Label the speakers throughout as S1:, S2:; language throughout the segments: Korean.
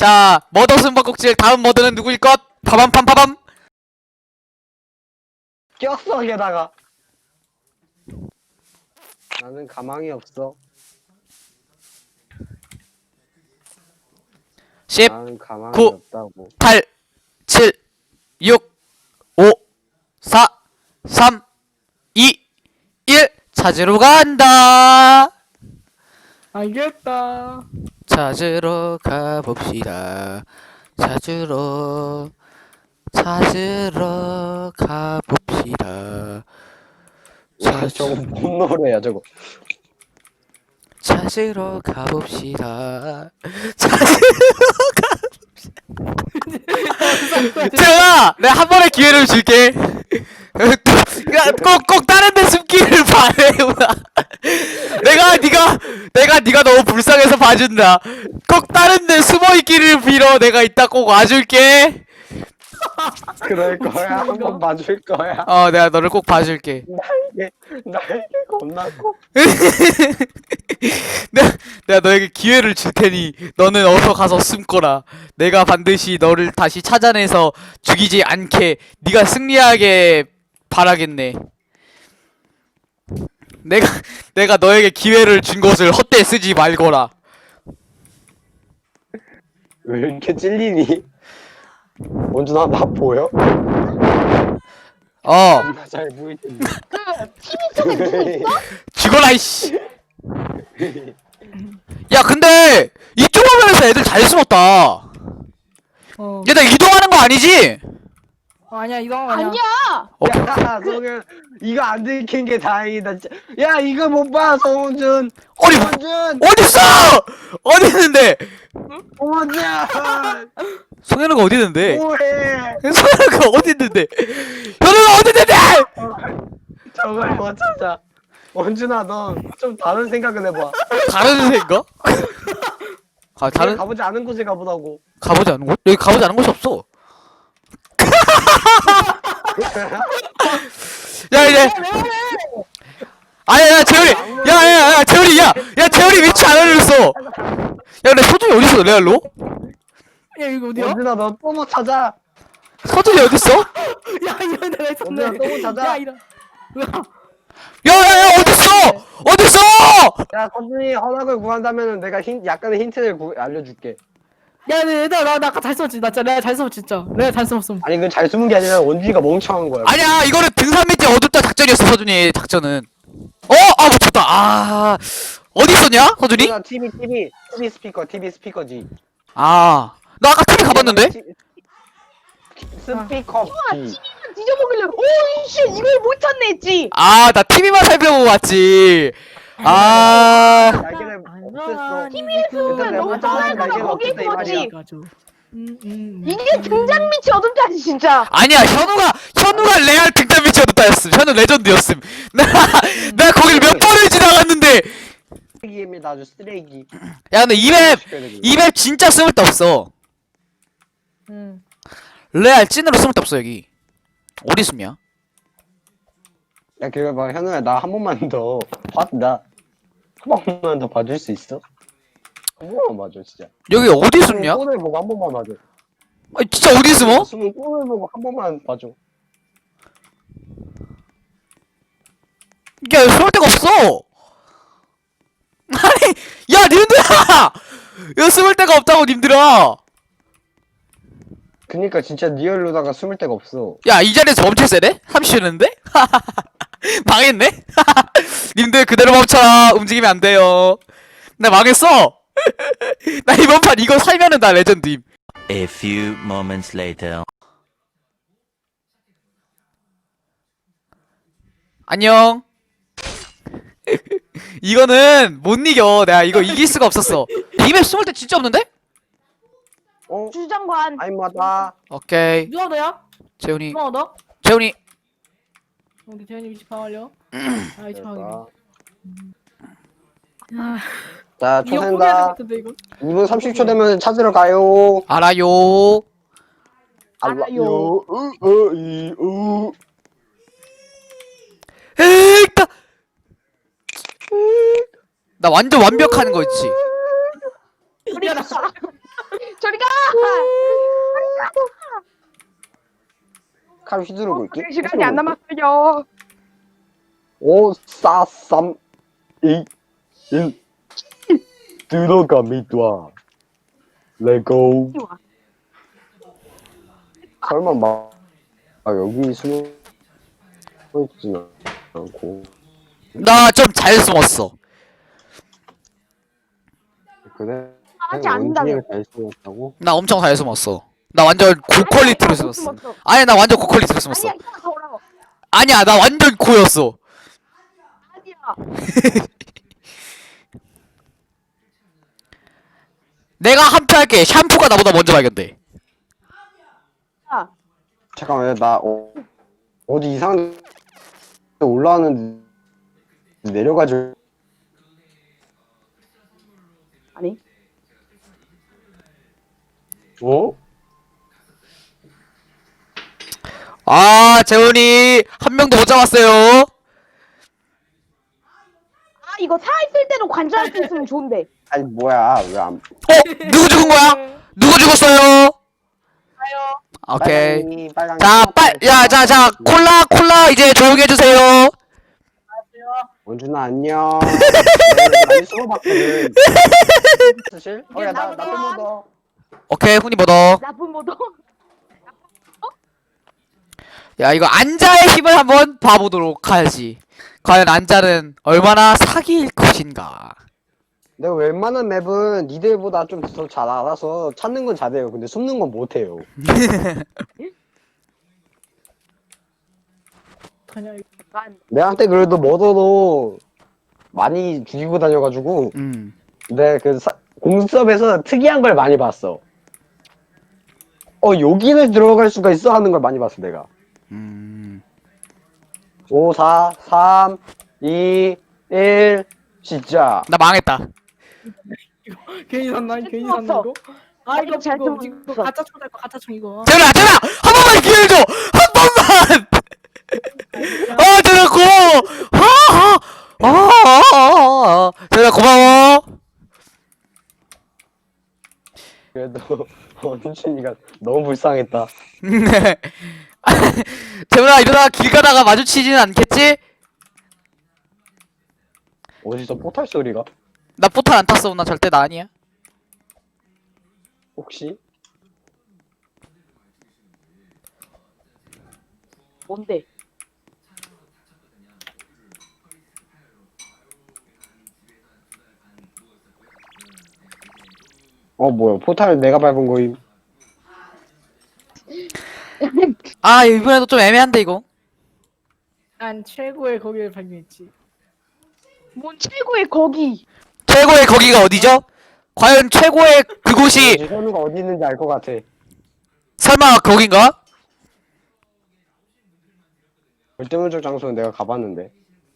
S1: 자, 머더 숨바꼭질 다음 머더는 누구일 것? 파밤팜파밤.
S2: 꼈어 게다가. 나는 가망이 없어.
S1: 10,
S2: 나는 가망이
S1: 9,
S2: 없다고.
S1: 8, 7, 6, 5, 4, 3, 2, 1. 찾으러 간다.
S3: 알겠다.
S1: 찾으러 가봅시다. 찾으러 가봅시다.
S2: 저거 뭔 노래야 저거.
S1: 찾으러 가봅시다. 재현아, 내가 한 번의 기회를 줄게. 꼭 다른 데 숨기를 바래. 내가 네가 너무 불쌍해서 봐준다. 꼭 다른 데 숨어 있기를 빌어. 내가 이따 꼭 와줄게.
S2: 그럴 거야. 한번 봐줄 거야.
S1: 내가 너를 꼭 봐줄게.
S2: 나에게 겁나 커.
S1: 내가 너에게 기회를 줄 테니 너는 어서 가서 숨거라. 내가 반드시 너를 다시 찾아내서 죽이지 않게 네가 승리하게 바라겠네. 내가 너에게 기회를 준 것을 헛되이 쓰지 말거라.
S2: 왜 이렇게 찔리니? 원준아 나 보여? 나 잘 보이는데.
S4: TV 속에 누구 있어?
S1: 죽어라 이씨. 야 근데 이쪽 화면에서 애들 잘 숨었다. 얘들 이동하는 거 아니지?
S3: 아니야 이거 아니야.
S4: 아니야.
S2: 야 성현 이거 안 들킨 게 다행이다. 진짜. 야 이거 못 봐 성훈준.
S1: 아니
S2: 성훈준.
S1: 어딨어? 어디 있는데?
S2: 성훈준.
S1: 성현우가 어디 있는데?
S2: 뭐해?
S1: 성현우가 어디 있는데? 현우가 어디 있는데?
S2: 저걸 못 찾아. 원준아 너 좀 다른 생각을 해봐.
S1: 다른 생각? 다른
S2: 가보지 않은 곳에 가보라고.
S1: 가보지 않은 곳? 여기 가보지 않은 곳이 없어. 야 이제 아야 재열이 야 재열이 야 재열이 위치 안 알려줬어. 야 근데 서준이 어디 있어 레알로?
S3: 야 이거 어디야?
S2: 원준아 너 또 못 찾아.
S1: 서준이 어디 있어?
S3: 야 이거 내가 있었네.
S2: 원준아 또 못 찾아.
S3: 야 이런.
S1: 야야야 어디 있어? 어디 있어?
S2: 야 서준이 허락을 구한다면은 내가 약간의 힌트를 알려줄게.
S3: 야 얘들아 나 아까 잘 숨었지. 나 진짜 내가 잘 숨었지 진짜. 내가 잘 숨었음.
S2: 아니 그 잘 숨은 게 아니라 원준이가 멍청한 거야.
S1: 아니야 이거는 등산 밑에 어둡다 작전이었어 서준이 작전은. 못 쳤다. 어디 있었냐 서준이?
S2: 원준아, TV 스피커지.
S1: 나 아까 TV 가봤는데?
S2: 스피커.
S4: 뒤져보길래 오이씨 이걸 못 찾네 했지.
S1: 나 TV만 살펴보고 왔지.
S2: 날개를 없앴어.
S4: TV에서
S2: 내가
S4: 너무
S2: 못 찾아서
S4: 빨리
S2: 날개가
S4: 거기
S2: 없앴다 이 말이야.
S3: 가죠.
S4: 이게 등잔 밑이 어둡다지 진짜.
S1: 아니야 현우가 레알 등잔 밑이 어둡다였음. 현우 레전드였음. 나 거길 몇 번을 지나갔는데.
S2: 쓰레기입니다 아주 쓰레기.
S1: 야 근데 이맵 진짜 숨을 데 없어. 레알 찐으로 숨을 데 없어 여기. 어디 숨냐?
S2: 야 그래 봐 현우야 나 한 번만 더 봐나 한 번만 더 봐줄 수 있어? 한 번만 봐줘 진짜.
S1: 여기 어디 숨냐?
S2: 꼴을 보고 한 번만 봐줘.
S1: 아니 진짜 어디 숨어?
S2: 숨은 꼴을 보고 한 번만 봐줘.
S1: 야 여기 숨을 데가 없어. 아니 야 님들아 여기 숨을 데가 없다고 님들아.
S2: 그니까 진짜 리얼로다가 숨을 데가 없어.
S1: 야 이 자리에서 멈출 세네? 30초는데? 망했네? 님들 그대로 멈춰라. 움직이면 안 돼요. 나 망했어. 나 이번 판 이거 살면은 나 레전드임.
S5: A few moments later.
S1: 안녕. 이거는 못 이겨. 내가 이거 이길 수가 없었어. 이맵 숨을 때 진짜 없는데?
S4: 주장관.
S2: 아임마다.
S1: 오케이.
S3: 누가 너야?
S1: 재훈이.
S3: 누가 너?
S1: 재훈이.
S3: 우리 대현이 위치 파악하려. 위치 파악이.
S2: 자
S3: 이거 포기해야 될것
S2: 초센다.
S3: 같은데 이거.
S2: 2분 30초 되면 찾으러 가요.
S1: 알아요.
S2: 알아요.
S1: 에이따. 나 완전 완벽한 거 있지.
S4: 저리 가. 저리 가.
S2: 칼 휘두르고 있기?
S4: 시간이 안 남았어요.
S2: 5, 4, 3, 2, 1 들어갑니다. 레고. 설마 여기 숨어 있지는 않고.
S1: 나 좀 잘 숨었어.
S2: 그래?
S4: 아직 아닌다며.
S2: 원준이가 잘 숨었다고?
S1: 나 엄청 잘 숨었어. 나 완전 고퀄리티로 숨었어. 아니 나 완전 고퀄리티로 숨었어.
S4: 아니야, 이따가 더 오라고.
S1: 아니야 나 완전 고였어.
S4: 아니야.
S1: 내가 한표할게. 샴푸가 나보다 먼저 발견돼.
S4: 야,
S2: 잠깐만, 나 어디 이상한 데 올라왔는데 내려가지고.
S4: 아니.
S2: 어?
S1: 아 재훈이 한 명도 못 잡았어요.
S4: 아, 이거 살아있을 때도 관찰할 수 있으면 좋은데.
S2: 아니 뭐야, 왜 안?
S1: 누구 죽은 거야? 누구 죽었어요? 오케이.
S2: 빨강이,
S1: 자, 자, 콜라 이제 조용히 해주세요.
S2: 원준아 안녕. 많이 숨어봤거든. 사실? 야, 나 뿜어도.
S1: 오케이, 훈이 뭐더?
S4: 나쁜 모도.
S1: 야, 이거 안자의 힘을 한번 봐보도록 하지. 과연 안자는 얼마나 사기일 것인가?
S2: 내가 웬만한 맵은 니들보다 좀 더 잘 알아서 찾는 건 잘해요. 근데 숨는 건 못해요.
S3: 그냥
S4: 약간
S2: 내한테 그래도 머더로 많이 죽이고 다녀가지고 내가 그 공수업에서 특이한 걸 많이 봤어. 여기를 들어갈 수가 있어 하는 걸 많이 봤어 내가. 5, 4, 3, 2, 1 시작.
S1: 나 망했다.
S3: 괜히 샀나? 괜히
S4: 없어.
S3: 샀나 이거? 아 이거
S4: 잘
S3: 이거
S4: 숨었어.
S3: 가짜 총거 가짜 총 이거.
S1: 재훈아, 한 번만 기회를 줘! 한 번만! 재훈아, 고마워! 재훈아, 고마워!
S2: 그래도 원준이가 너무 불쌍했다.
S1: 재훈아, 이러다가 길 가다가 마주치지는 않겠지?
S2: 어디서 포탈 소리가?
S1: 나 포탈 안 탔어. 나 절대 나 아니야.
S2: 혹시?
S4: 뭔데?
S2: 뭐야, 포탈 내가 밟은 거임.
S1: 아, 이번에도 좀 애매한데, 이거.
S3: 난 최고의 거기를 발견했지.
S4: 뭔 최고의 거기.
S1: 최고의 거기가 어디죠? 과연 최고의 그곳이
S2: 현우가 어디 있는지 알 것 같아.
S1: 설마 거긴가?
S2: 절대문적 장소는 내가 가봤는데.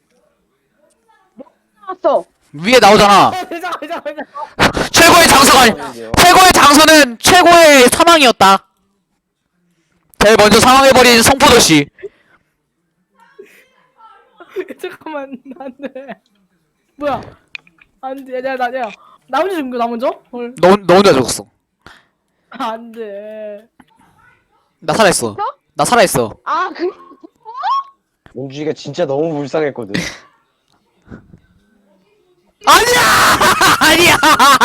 S4: 나왔어.
S1: 위에 나오잖아.
S3: 회장.
S1: 최고의 장소가 아니. 최고의 장소는 최고의 사망이었다. 제일 먼저 사망해버린 성포도씨.
S3: 잠깐만 안돼. 뭐야? 안돼. 야. 나 먼저 죽은 거나 먼저? 헐.
S1: 너 혼자 죽었어.
S3: 안돼.
S1: 나 살아있어. 나 살아있어.
S4: 아,
S2: 원준이가 진짜 너무 불쌍했거든.
S1: 아니야! 아니야!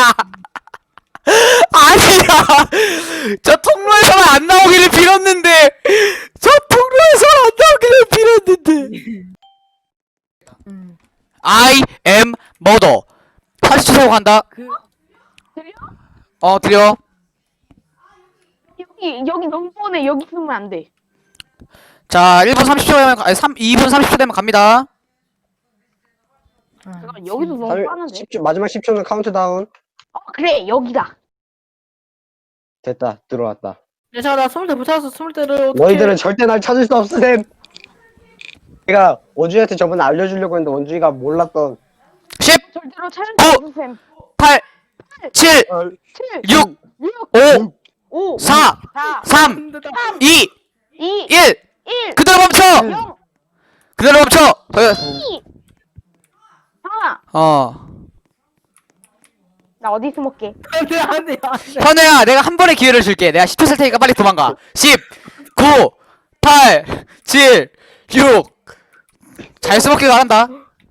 S1: 아니야! 저 통로에서는 안 나오기를 빌었는데! 저 통로에서는 안 나오기를 빌었는데! I am mother. 40초 세고 간다.
S4: 들려?
S1: 들려.
S4: 여기 너무 뻔해. 여기 있으면 안 돼.
S1: 자, 1분 30초 되면, 2분 30초 되면 갑니다.
S4: 잠깐 여기도 너무 뻔한데.
S2: 10초, 마지막 10초는 카운트다운.
S4: 그래 여기다.
S2: 됐다, 들어왔다.
S3: 야, 나 20대 못 찾았어. 20대를 어떻게?
S2: 너희들은 절대 날 찾을 수 없으셈. 내가 원준이한테 저번에 알려주려고 했는데 원준이가 몰랐던
S1: 10,
S4: 절대로 촬영
S1: 오!
S4: 해주셈.
S1: 8, 7,
S4: 7,
S1: 6,
S4: 6,
S1: 5,
S4: 5,
S1: 4,
S4: 4,
S1: 3,
S3: 3.
S1: 2,
S4: 2,
S1: 1.
S4: 1,
S1: 그대로 멈춰!
S4: 0,
S1: 그대로 멈춰!
S4: 2. 하나.
S1: 어.
S4: 나 어디 숨을게?
S3: 안돼 안돼 안돼.
S1: 현우야, 내가 한 번의 기회를 줄게. 내가 10초 셀 테니까 빨리 도망가. 10, 9, 8, 7, 6. 잘 숨었길 바란다.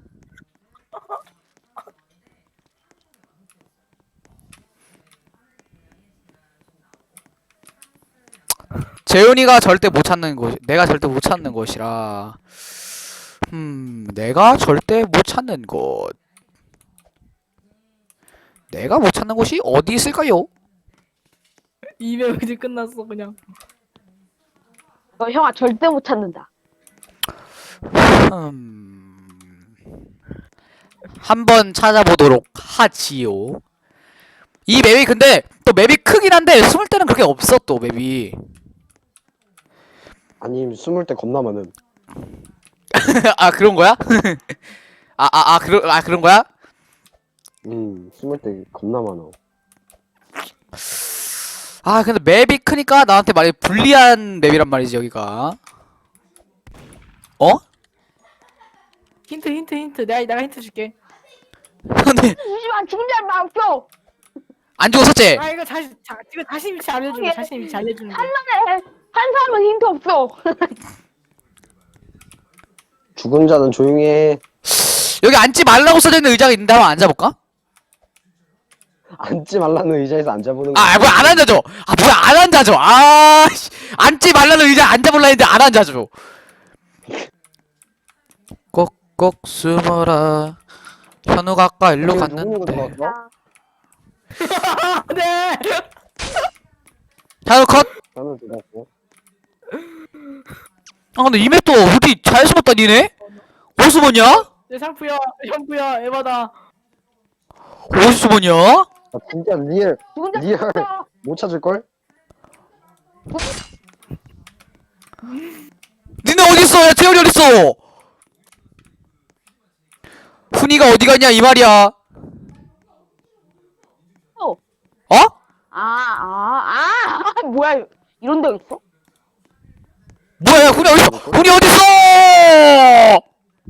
S1: 재훈이가 절대 못 찾는 곳, 내가 절대 못 찾는 곳이라. 내가 절대 못 찾는 곳. 내가 못 찾는 곳이 어디 있을까요?
S3: 이명 이제 끝났어 그냥.
S4: 너 형아 절대 못 찾는다.
S1: 한번 찾아보도록 하지요. 이 맵이 근데 또 맵이 크긴 한데 숨을 때는 그렇게 없어 또 맵이.
S2: 아니 숨을 때 겁나 많음.
S1: 아 그런 거야? 그런 거야?
S2: 숨을 때 겁나 많어.
S1: 아 근데 맵이 크니까 나한테 말이 불리한 맵이란 말이지 여기가. 어?
S3: 힌트. 내가 힌트 줄게.
S1: 근데
S4: 잠시만 지금 잘 마음표.
S1: 안 죽었었지?
S3: 아 이거 이거 자신 위치 알려주는 거. 자신 위치 알려주는 거.
S4: 한번에 한 사람은 힌트 없어.
S2: 죽은 자는 조용히 해.
S1: 여기 앉지 말라고 써져 있는 의자가 있는데 한번 앉아볼까?
S2: 앉지 말라는 의자에서 앉아보는 거.
S1: 뭐야 안 앉아줘. 뭐야 안 앉아줘. 씨. 앉지 말라는 의자 앉아볼라 했는데 안 앉아줘. 꼭꼭 숨어라. 현우가 아까 일로 갔는데.
S3: 네.
S1: 현우 컷.
S2: 저는 들었고.
S1: 근데 이 맵도 어디 잘 숨었다 니네? 어디 숨었냐?
S3: 내 상프야 형부야 에바다.
S1: 어디 숨었냐?
S2: 아 진짜 리얼
S4: 죽은 자
S2: 리얼
S4: 없어.
S2: 못 찾을 걸?
S1: 니네 어딨어? 야 재현이 어딨어? 훈이가 어디 갔냐 이 말이야.
S4: 어.
S1: 어?
S4: 뭐야 이런 데 있어?
S1: 뭐야 야 훈이 어딨어? 훈이 어딨어?